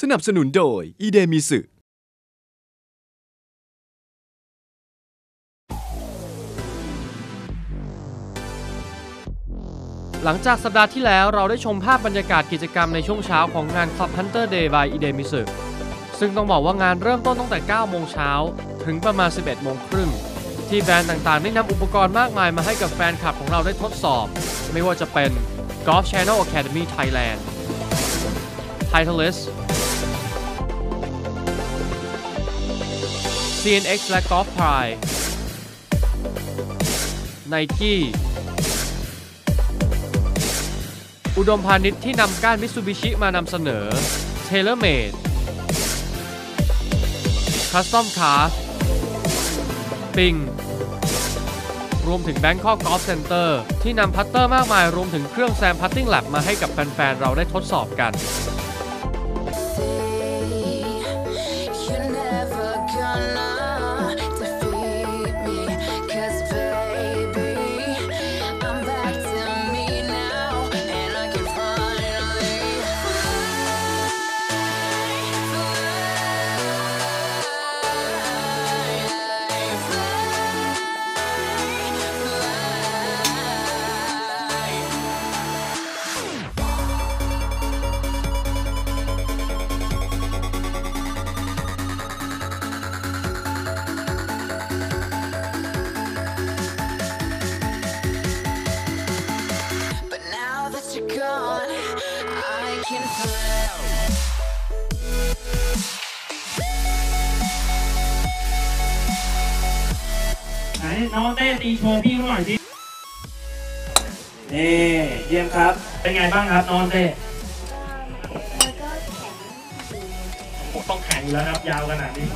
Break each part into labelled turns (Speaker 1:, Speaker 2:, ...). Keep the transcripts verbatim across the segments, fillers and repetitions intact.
Speaker 1: สนับสนุนโดยอีเดมิสึ
Speaker 2: หลังจากสัปดาห์ที่แล้วเราได้ชมภาพบรรยากาศกิจกรรมในช่วงเช้าของงาน Club Hunter Day by Idemitsu ซึ่งต้องบอกว่างานเริ่มต้นตั้งแต่ เก้าโมงเช้าถึงประมาณ สิบเอ็ดโมงครึ่งที่แบรนด์ต่างๆได้นำอุปกรณ์มากมายมาให้กับแฟนคลับของเราได้ทดสอบไม่ว่าจะเป็น Golf Channel Academy Thailand Titleist ซี เอ็น เอ็กซ์ และ Golf Pride Nike อุดมพาณิชย์ที่นำก้านมิตซูบิชิมานำเสนอ TaylorMade Custom Craft ปิงรวมถึง Bangkok Golf Center ที่นำพัตเตอร์มากมายรวมถึงเครื่องแซมพัตติ้งแลบมาให้กับแฟนๆเราได้ทดสอบกัน
Speaker 3: น้องเต้ตีโชว์พี่เขาหน่อยสินี่เยี่ยมครับเป็นไงบ้างครับน้องเต้ต้องแข็งแล้วครับยาวขนาดนี้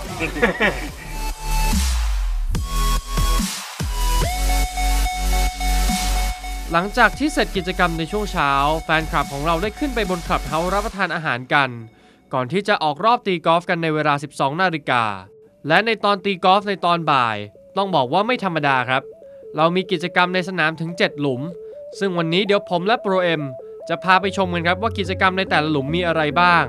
Speaker 2: หลังจากที่เสร็จกิจกรรมในช่วงเช้าแฟนคลับของเราได้ขึ้นไปบนคลับเฮาส์รับประทานอาหารกันก่อนที่จะออกรอบตีกอล์ฟกันในเวลา สิบสองนาฬิกาและในตอนตีกอล์ฟในตอนบ่ายต้องบอกว่าไม่ธรรมดาครับเรามีกิจกรรมในสนามถึงเจ็ดหลุมซึ่งวันนี้เดี๋ยวผมและโปรเอ็มจะพาไปชมกันครับว่ากิจกรรมในแต่ละหลุมมีอะไรบ้าง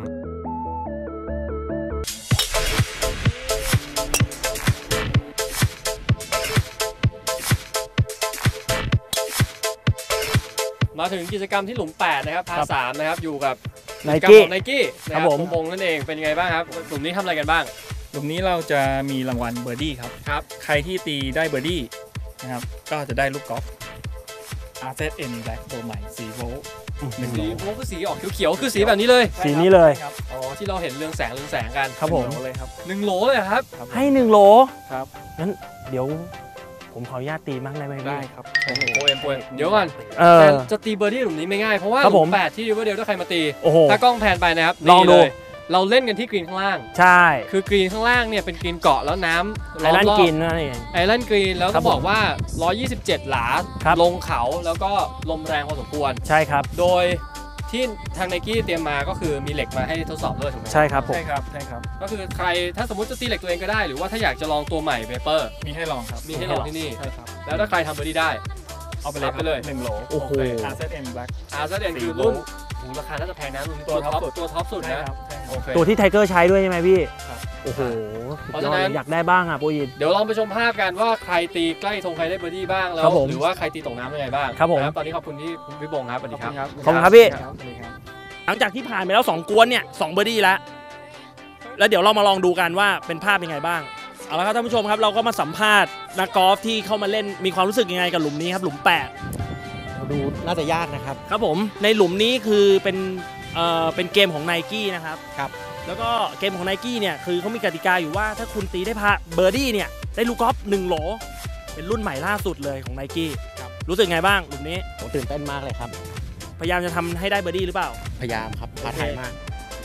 Speaker 2: มาถึงกิจกรรมที่หลุมแปดนะครับพาสามนะครับอยู่กับไนกี้ไนกี้นะครับผมวงนั่นเองเป็นไงบ้างครับหลุมนี้ทำอะไรกันบ้าง
Speaker 4: หลุมนี้เราจะมีรางวัลเบอร์ดี้ครับครับใครที่ตีได้เบอร์ดี้นะครับก็จะได้ลูกกอล์ฟ อาร์ เซด เอ็น Black ตัวใหม่สีโวลต์
Speaker 2: สีโวลต์คือสีออกเขียวๆคือสีแบบนี้เลย
Speaker 5: สีนี้เลย
Speaker 2: อ๋อที่เราเห็นเรืองแสงเรืองแสงกัน
Speaker 5: ครับผม
Speaker 4: เลยครับ
Speaker 2: หนึ่งโหลเลยครับ
Speaker 5: ให้หนึ่งโหล
Speaker 4: ครับ
Speaker 5: งั้นเดี๋ยวผมขออนุญาตตีมั้งได้ไหม
Speaker 4: ได้ครับ
Speaker 2: โอ้โหโปรเอ็มโปรเอ็มเดี๋ยวก่อนจะตีเบอร์ดี้หลุมนี้ไม่ง่ายเพราะว่าหลุมแปดที่ริเวอร์เดลถ้าใครมาตีถ้ากล้องแพนไปนะครับ
Speaker 5: ลองดู
Speaker 2: เราเล่นกันที่กรีนข้างล่าง
Speaker 5: ใช่
Speaker 2: คือกรีนข้างล่างเนี่ยเป็นกรีนเกาะแล้วน้ำ
Speaker 5: ไอแลนด์กรีนนั่นเอง
Speaker 2: ไอแลนด์กรีนแล้วก็บอกว่าหนึ่งร้อยยี่สิบเจ็ดหลาลงเขาแล้วก็ลมแรงพอสมควร
Speaker 5: ใช่ครับ
Speaker 2: โดยที่ทางไนกี้เตรียมมาก็คือมีเหล็กมาให้ทดสอบด้วยถูกไหม
Speaker 5: ใช่ครับผม
Speaker 4: ใช่ครับใช่ครับ
Speaker 2: ก็คือใครถ้าสมมติจะตีเหล็กตัวเองก็ได้หรือว่าถ้าอยากจะลองตัวใหม่เปเปอร์
Speaker 4: มีให้ลองครับ
Speaker 2: มีให้ลองที่นี่
Speaker 4: ใช่ครับ
Speaker 2: แล้วถ้าใครทำเบอร์ดี้ได้
Speaker 4: เอาไปเลยไปเลยหนึ่งโหล
Speaker 5: โอ้โห
Speaker 4: อาร์ เซด เอ็น Black
Speaker 2: อาร์ เซด เอ็น คือรุ่นราคาน่าจะแพงนะรุ่นตัวท็อปตัวท็อปสุดนะ
Speaker 5: ตัวที่ไทเกอร์ใช้ด้วยใช่ไหมพี่โอ้โหเพราะฉะนั้นอยากได้บ้างอ่ะโปรยิน
Speaker 2: เดี๋ยวลองไปชมภาพกันว่าใครตีใกล้ธงใครได้เบอร์ดี้บ้างแล้วหรือว่าใครตีตกน้ำยังไงบ้าง
Speaker 5: ครับผม
Speaker 2: ตอนนี้ขอบคุณที่พี่บงครับสวัสดีครับ
Speaker 5: ขอบคุณครับพี่หลังจากที่ผ่านไปแล้วสองกวนเนี่ยสองเบอร์ดี้แล้วแล้วเดี๋ยวเรามาลองดูกันว่าเป็นภาพยังไงบ้างเอาละครับท่านผู้ชมครับเราก็มาสัมภาษณ์นักกอล์ฟที่เข้ามาเล่นมีความรู้สึกยังไงกับหลุมนี้ครับหลุมแปด
Speaker 6: ดูน่าจะยากนะครับ
Speaker 5: ครับผมในหลุมนี้คือเป็นเอ่อเป็นเกมของ Nike นะครับ
Speaker 6: ครับ
Speaker 5: แล้วก็เกมของ Nike เนี่ยคือเขามีกติกาอยู่ว่าถ้าคุณตีได้พาเบอร์ดี้เนี่ยได้ลูกกอล์ฟหนึ่งโหลเป็นรุ่นใหม่ล่าสุดเลยของ Nike ครับรู้สึกไงบ้างหลุมนี้
Speaker 6: ผมตื่นเต้นมากเลยครับ
Speaker 5: พยายามจะทำให้ได้เบอร์ดี้หรือเปล่า
Speaker 6: พยายามครับท้าทายมาก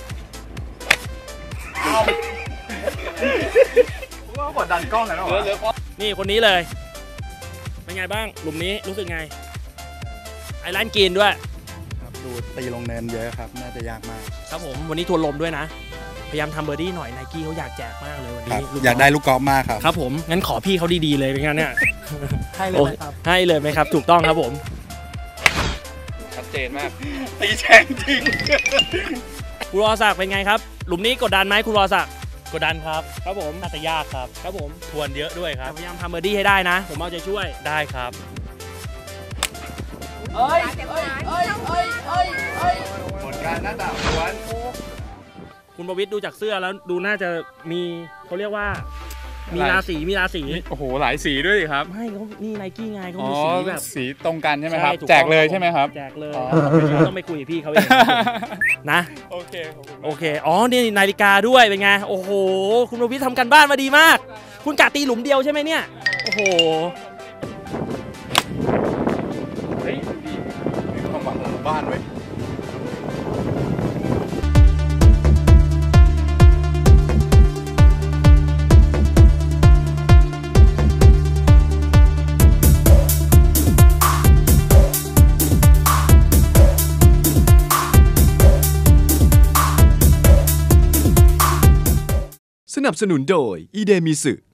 Speaker 4: ว่ากดดันกล้องกันหรอ
Speaker 5: นี่คนนี้เลยเป็นไงบ้างหลุมนี้รู้สึกไงไอแลนด์กรีนด้วย
Speaker 4: ครับดูตีลงเนินเยอะครับน่าจะยากมาก
Speaker 5: ครับผมวันนี้ทวนลมด้วยนะพยายามทำเบอร์ดี้หน่อย Nike เขาอยากแจกมากเลยวันนี้
Speaker 4: อยากได้ลูกกอล์ฟมากครับ
Speaker 5: ครับผมงั้นขอพี่เขาดีๆเลยเป็นไงเนี่ย
Speaker 6: ให้เลยไหมครับ
Speaker 5: ให้เลยไหมครับถูกต้องครับผม
Speaker 2: ชัดเจนมาก
Speaker 4: ตีแช่งจริง
Speaker 5: คุณรอศักดิ์เป็นไงครับหลุมนี้กดดันไหมคุณวรศักดิ์
Speaker 7: กดดันครับ
Speaker 5: ครับผม
Speaker 7: น่าจะยากครับ
Speaker 5: ครับผม
Speaker 7: ทวนเยอะด้วยครับ
Speaker 5: พยายามทำเบอร์ดี้ให้ได้นะ ผมเอาใจช่วย
Speaker 7: ได้ครับ
Speaker 5: เอ้ยเอ้ยเอ้ยเอ้ยเอ้ยเอ้ย
Speaker 1: ผลการหน้าต่างล้วน
Speaker 5: คุณประวิตรดูจากเสื้อแล้วดูน่าจะมีเขาเรียกว่า มีราศีมีราศี
Speaker 4: โอ้โหหลายสีด้วยสิครับ
Speaker 5: ไม่เขานี่ไนกี้ไงเขา
Speaker 4: อ๋อ
Speaker 5: มีสีแบบ
Speaker 4: สีตรงกันใช่ไหมครับ
Speaker 5: ถู
Speaker 4: แจกเลย
Speaker 5: ต้อง
Speaker 4: ใช่ไหมครับ
Speaker 5: แจกเลย
Speaker 4: อ๋อ
Speaker 5: ต้องไปคุยกับพี่เขาเองนะ
Speaker 4: โอเคขอบคุณ
Speaker 5: โอเค อ๋อ นี่นาฬิกาด้วย เป็นไง โอ้โห คุณประวิตรทำกันบ้านมาดีมาก คุณกะตีหลุมเดียวใช่ไหมเนี่ย โอ้โห
Speaker 4: เฮ้ยดีมีความหวังของบ้านไว้
Speaker 1: สนับสนุนโดยอีเดมิสึ